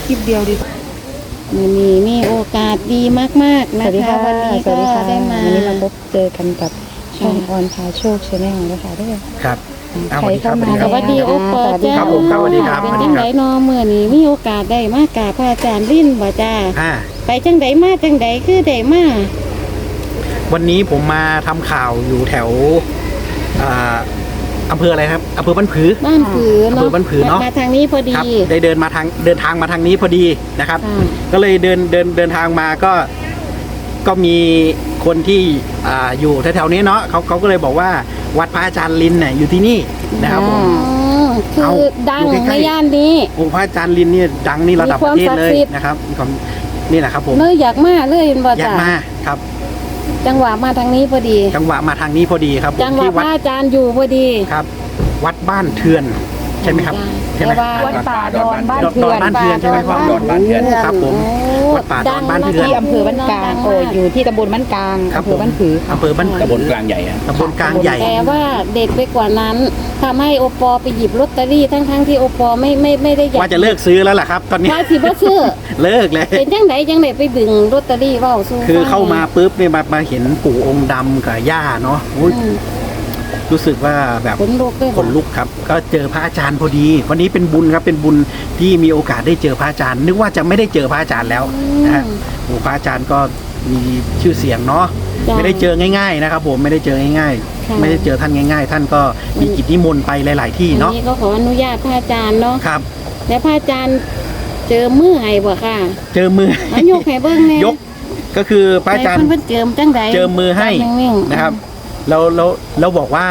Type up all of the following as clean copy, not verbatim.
คลิปเดียวดีมีโอกาสดีมากๆนะคะวันนี้ก็ได้มาวันนี้มาพบเจอกันกับช่องออนพาโชคชาแนลนะคะด้วยครับใครเข้ามาสวัสดีโอปอจ้าครับผมครับสวัสดีครับเป็นจังไดนอเมื่อนี้มีโอกาสได้มากราบพระอาจารย์ลิ้นบ่จ้าไปจังไดมาจังไดคือได้มาวันนี้ผมมาทำข่าวอยู่แถวอำเภออะไรครับอำเภอบ้านผือบ้านผือเนาะบ้านผือเนาะมาทางนี้พอดีได้เดินทางมาทางนี้พอดีนะครับก็เลยเดินทางมาก็มีคนที่อยู่แถวๆนี้เนาะเขาก็เลยบอกว่าวัดพระอาจารย์ลินเนี่ยอยู่ที่นี่นะครับผมคือดังในย่านนี้องค์พระอาจารย์ลินนี่ดังนี่ระดับประเทศเลยนะครับนี่แหละครับผมเลยอยากมาเลยบ่จ้าอยากมาครับจังหวะมาทางนี้พอดีจังหวะมาทางนี้พอดีครับจังหวะพระอาจารย์อยู่พอดีครับวัดบ้านเทือนใช่ไหมครับใช่ไหมวัดป่าดอนบ้านเทือนใช่ไหมครับดอนบ้านเทือนครับผมวัดป่าดอนบ้านเทือนที่อำเภอบ้านกลางอยู่ที่ตำบลบ้านกลางอำเภอบ้านผืออำเภอบ้านตำบลกลางใหญ่ตำบลกลางใหญ่แต่ว่าเด็ดไปกว่านั้นทำให้โอปอไปหยิบลอตเตอรี่ทั้งที่โอปอไม่ได้อยากว่าจะเลิกซื้อแล้วล่ะครับตอนนี้ว่าสิบ่ซื้อเลิกเลยเป็นจังไหนไปดึงลอตเตอรี่ว่าสู้คือเข้ามาปุ๊บเนี่ยมาเห็นปู่องค์ดำกับย่าเนาะรู้สึกว่าแบบขนลุกครับก็เจอพระอาจารย์พอดีวันนี้เป็นบุญครับเป็นบุญที่มีโอกาสได้เจอพระอาจารย์นึกว่าจะไม่ได้เจอพระอาจารย์แล้วนะฮะพระอาจารย์ก็มีชื่อเสียงเนาะไม่ได้เจอง่ายๆนะครับผมไม่ได้เจอง่ายๆไม่ได้เจอท่านง่ายๆท่านก็มีกิจนิมนต์ไปหลายๆที่เนาะนี่ก็ขออนุญาตพระอาจารย์เนาะครับแล้วพระอาจารย์เจอมือให้บ่ค่ะเจอมือยกให้เบิ่งแน่ยกก็คือพระอาจารย์เจิมจังได๋เจอมือให้นะครับเราบอกว่า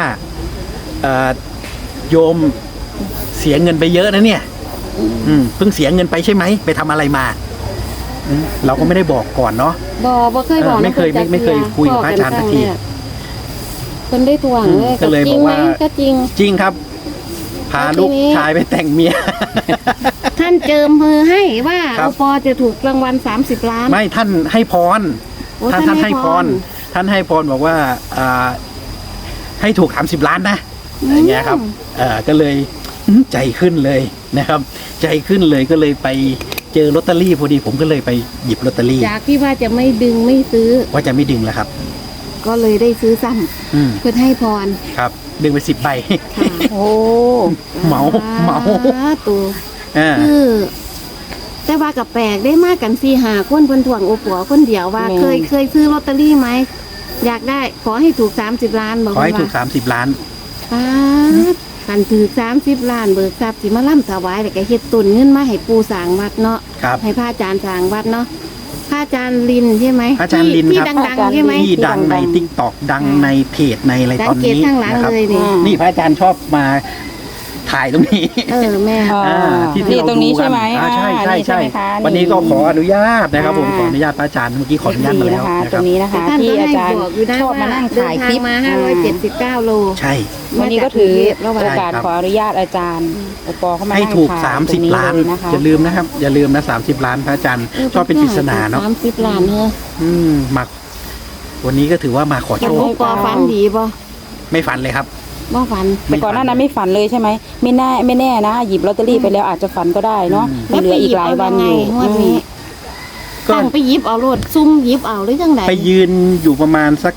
โยมเสียเงินไปเยอะนะเนี่ยเพิ่งเสียเงินไปใช่ไหมไปทำอะไรมาเราก็ไม่ได้บอกก่อนเนาะบ่เคยบอกไม่เคยคุยกับพระอาจารย์สักทีคนได้ทวงเลยก็เลยบอกว่าก็จริงครับพาลูกชายไปแต่งเมียท่านเจิมมือให้ว่าโอปอจะถูกรางวัล30 ล้านไม่ท่านให้พรท่านให้พรท่านให้พรบอกว่าให้ถูก30 ล้านนะอย่างเงี้ยครับก็เลยใจขึ้นเลยนะครับใจขึ้นเลยก็เลยไปเจอลอตเตอรี่พอดีผมก็เลยไปหยิบลอตเตอรี่จากที่ว่าจะไม่ดึงไม่ซื้อว่าจะไม่ดึงแล้วครับก็เลยได้ซื้อซ้ำเพื่อให้พรครับดึงไป10 ใบโอ้เหมาตัวคือแต่ว่ากับแปลกได้มากกัน4-5 คนเพิ่นถ่วงโอปัวคนเดียวว่าเคยซื้อลอตเตอรี่ไหมอยากได้ขอให้ถูก30 ล้านบอกขอให้ถูก30 ล้านกันถือ30 ล้านเบิกทรัพย์สิมาล่ำถวายแต่ก็เฮ็ดตุนเงินมาให้ปู่สร้างวัดเนาะให้พระอาจารย์สร้างวัดเนาะพระอาจารย์ลินใช่ไหมพระอาจารย์ลินที่ดังๆใช่ไหมที่ดังใน TikTok ดังในเพจในอะไรตอนนี้นะครับนี่พระอาจารย์ชอบมาถ่ายตรงนี้แม่ที่ตรงนี้ใช่ไหมใช่วันนี้ก็ขออนุญาตนะครับผมขออนุญาตพระอาจารย์เมื่อกี้ขออนุญาตมาแล้วตรงนี้นะคะที่อาจารย์ชอบมานั่งถ่ายคลิปมา579 โลใช่วันนี้ก็ถือโอกาสขออนุญาตอาจารย์โอปอเข้ามาให้ถูก30 ล้านอย่าลืมนะครับอย่าลืมนะ30 ล้านพระอาจารย์ชอบเป็นปริศนาเนาะ 30 ล้านเนอะมาวันนี้ก็ถือว่ามาขอโชคฝันดีป่ะไม่ฝันเลยครับบ่ฝันแต่ก่อนหน้านั้นไม่ฝันเลยใช่ไหมไม่แน่นะหยิบลอตเตอรี่ไปแล้วอาจจะฝันก็ได้เนาะเหลืออีกหลายวันอยู่ตั้งไปหยิบเอารถซุ่มหยิบเอาหรือจังไดไปยืนอยู่ประมาณสัก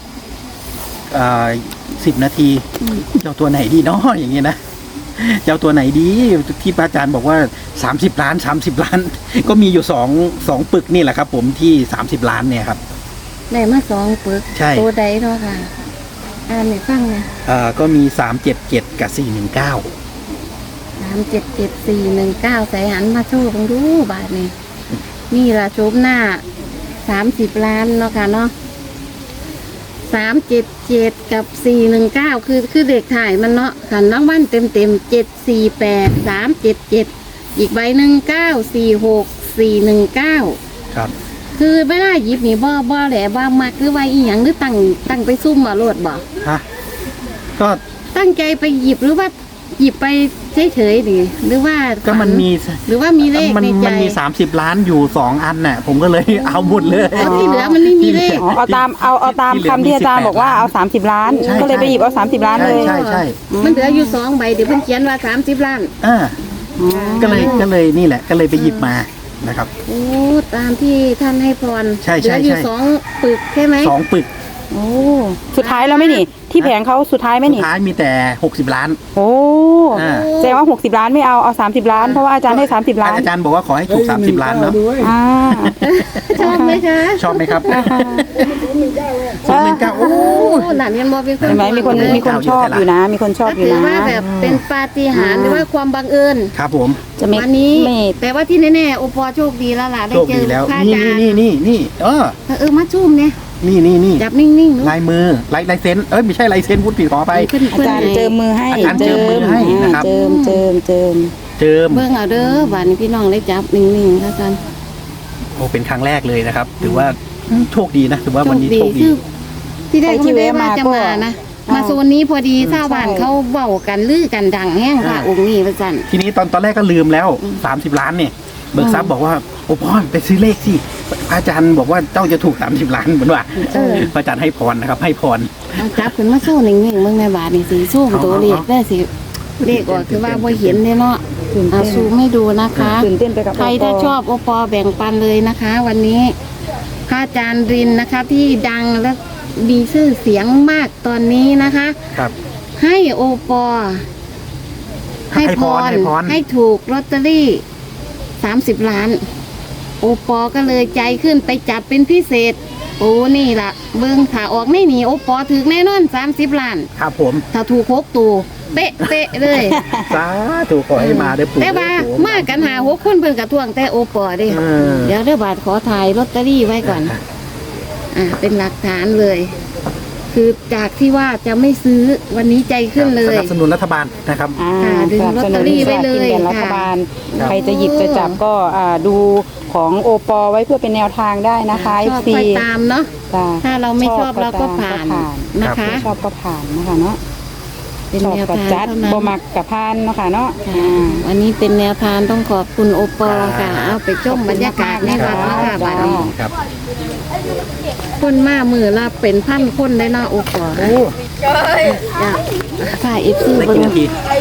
10 นาทีเจ้าตัวไหนดีเนาะอย่างเงี้ยนะเจ้าตัวไหนดีที่อาจารย์บอกว่า30 ล้าน30 ล้านก็มีอยู่2 ปึกนี่แหละครับผมที่30 ล้านเนี่ยครับได้มา2 ปึกตัวใดเนาะค่ะไม่ฟังเนี่ยก็มี377กับ419 377 419ใส่หันมาโชว์กันดูบาทนี่ล่ะโฉมหน้า30 ล้านเนาะค่ะเนาะ377กับ419คือเด็กถ่ายมันเนาะขันรางวัลเต็ม748 377อีกใบหนึ่ง946 419 ครับคือเวลาหยิบนี่บ่แหละบ่มักหรือว่าอีหยังหรือตั้งไปซุ่มมาโลดบ่ฮะก็ตั้งใจไปหยิบหรือว่าหยิบไปเฉยๆดิหรือว่าก็มันมีหรือว่ามีเลขในใจมันมี30 ล้านอยู่2 อันน่ะผมก็เลยเอาหมดเลยที่เหลือมันไม่มีเลขเอาตามคำที่อาจารย์บอกว่าเอา30 ล้านก็เลยไปหยิบเอา30 ล้านเลยใช่มันเหลืออยู่2 ใบเดี๋ยวเพิ่นเขียนว่า30 ล้านก็เลยนี่แหละก็เลยไปหยิบมานะครับโอ้ตามที่ท่านให้พรใช่เหลืออยู่ใช่ 2 ปึกใช่ไหม 2 ปึกโอ้สุดท้ายแล้วไหมนี่ ที่แผงเขาสุดท้ายไหมสุดนี่ท้ายมีแต่60 ล้านโอ้อ่าแสดงว่า60 ล้านไม่เอา30 ล้านเพราะว่าอาจารย์ให้30 ล้านอาจารย์บอกว่าขอให้ถูก30 ล้านเนาะอ่าชอบไหมคะชอบไหมครับ019โอ้โอ้หลานยังบอกเป็นคนเห็นไหมมีคนเลยมีคนชอบอยู่นะ มีคนชอบก็อยู่ถือนะว่าแบบเป็นปาฏิหาริย์หรือว่าความบังเอิญครับผมจะไม่วันนี้ไม่แต่ว่าที่แน่ๆโอปอโชคดีแล้วล่ะได้โชคเจดีอแล้วพระอานี่จารย์นี่มาชุ่มเนี่ยนี่จับนิ่งๆเนอะลายมือลายเซ็นไม่ใช่ลายเซ็นพูดผิดขอไปเพิ่นอาจารย์เจิมมือให้อาจารย์เจิมมือให้นะครับเจิมเจิมเบิ่งเอาเด้อบ้านนี้พี่น้องได้จับนิ่งๆแล้วกันโอ้เป็นครั้งแรกเลยนะครับ ถือว่าโชคดีนะถือว่าวันนี้โชคดีคือที่ได้ก็ไม่ได้ว่าจะมานะ มาโซนนี้พอดีชาวบ้านเขาเว้ากันลือกันดังแห้งค่ะองค์นี้พระจันทร์ทีนี้ตอนแรกก็ลืมแล้ว30 ล้านเนี่ยเบิกทรัพย์บอกว่าโอ้พ่อไปซื้อเลขสิอาจารย์บอกว่าเจ้าจะถูก30 ล้านเหมือนว่าพระอาจารย์ให้พรนะครับ ให้พรเอาจับขึ้นมาโซ่นิ่งๆเบิ่งในบาทนี่สิซูมตัวเลขได้สิเลขออกคือว่าบ่เห็นเด้เนาะตื่นเอาเต้นซูมให้ดูนะคะตื่นเต้นไปกับใครถ้าชอบโอปอแบ่งปันเลยนะคะ วันนี้พระอาจารย์รินนะคะ ที่ดังและมีชื่อเสียงมากตอนนี้นะคะครับให้โอปอให้พรให้ถูกลอตเตอรี่30 ล้าน โอปอก็เลยใจขึ้นไปจับเป็นพิเศษโอ้นี่ล่ะ เบิ้งขาออกไม่หนีโอปอถึงแน่นอน30 ล้านครับผมถ้าถูก6ตัวเป๊ะเป๊ะเลยสาธุขอให้มาได้ปู่แต่ว่ามากันหา6 คนเพิ่นกระท่วงแต่โอปอเด้ เดี๋ยวเดี๋ยวบาทขอถ่ายลอตเตอรี่ไว้ก่อน เป็นหลักฐานเลย คือจากที่ว่าจะไม่ซื้อวันนี้ใจขึ้นเลยสนับสนุนรัฐบาลนะครับอ่าดึงลอตเตอรี่ไว้เลยสนับสนุนสลากกินแบ่งรัฐบาลค่ะใครจะหยิบจะจับก็ดูของโอปอไว้เพื่อเป็นแนวทางได้นะคะชอบ FC ไปตามเนาะจ้ะถ้าเราไม่ชอบเราก็ผ่านนะคะไม่ชอบก็ผ่านนะคะเนาะเป็นชอบแนวกับทางจัดเท่านั้นบ่มักกับพานเนาะค่ะเนาะค่ะวันนี้เป็นแนวทางต้องขอบคุณโอปอค่ะ เอาไปชมบรรยากาศในวัดแล้วค่ะบัดนี้ครับคนมามือละเป็นพันคนได้เนาะโอปอโอ้จ้ะฝ่ายเอฟซีได้เบิ่กี่งนาที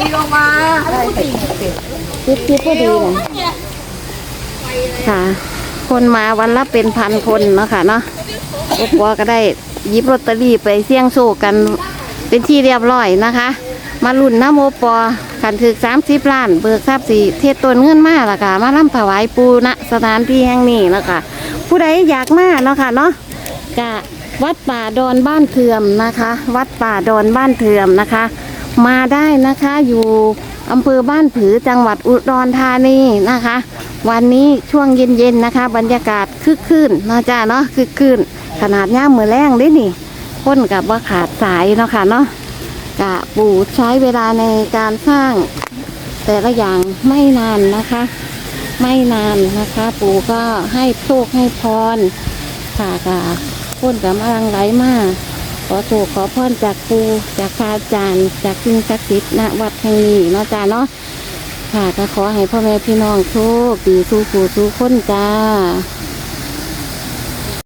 จิ๊บพอดีเลยค่ะ คนมาวันละเป็นพันคนเนาะค่ะเนาะโอปอก็ได้หยิบลอตเตอรี่ไปเสี่ยงโชคกันเป็นที่เรียบร้อยนะคะ มาลุ่นน้ำโอปอขันถึก30 ล้าน เบิกทรัพย์สีเทศตนเงินมาละค่ะมาล่ำถวายปูณสถานที่แห่งนี้แล้วค่ะ ผู้ใดอยากมาเนาะค่ะเนาะกะวัดป่าดอนบ้านเถื่อมนะคะ วัดป่าดอนบ้านเถื่อมนะคะ มาได้นะคะอยู่อำเภอบ้านผือจังหวัดอุดรธานีนะคะ วันนี้ช่วงเย็นๆนะคะ บรรยากาศคึกคืนเนาะจ้าเนาะคึกคืนขนาดย่ามมือแรงเด้นี่คนกับว่าขาดสายเนาะค่ะเนาะกะปู่ใช้เวลาในการสร้างแต่ละอย่างไม่นานนะคะ ไม่นานนะคะ ปู่ก็ให้โชคให้พรค่ะกะคนกับมาลังไหลมากขอโชคขอพรจากปู่จากพระอาจารย์จากสิ่งศักดิ์สิทธิ์ณวัดแห่งนี้เนาะจ้าเนาะค่ะก็ขอให้พ่อแม่พี่น้องโชคดีสู้ผู้สู้คนจ้า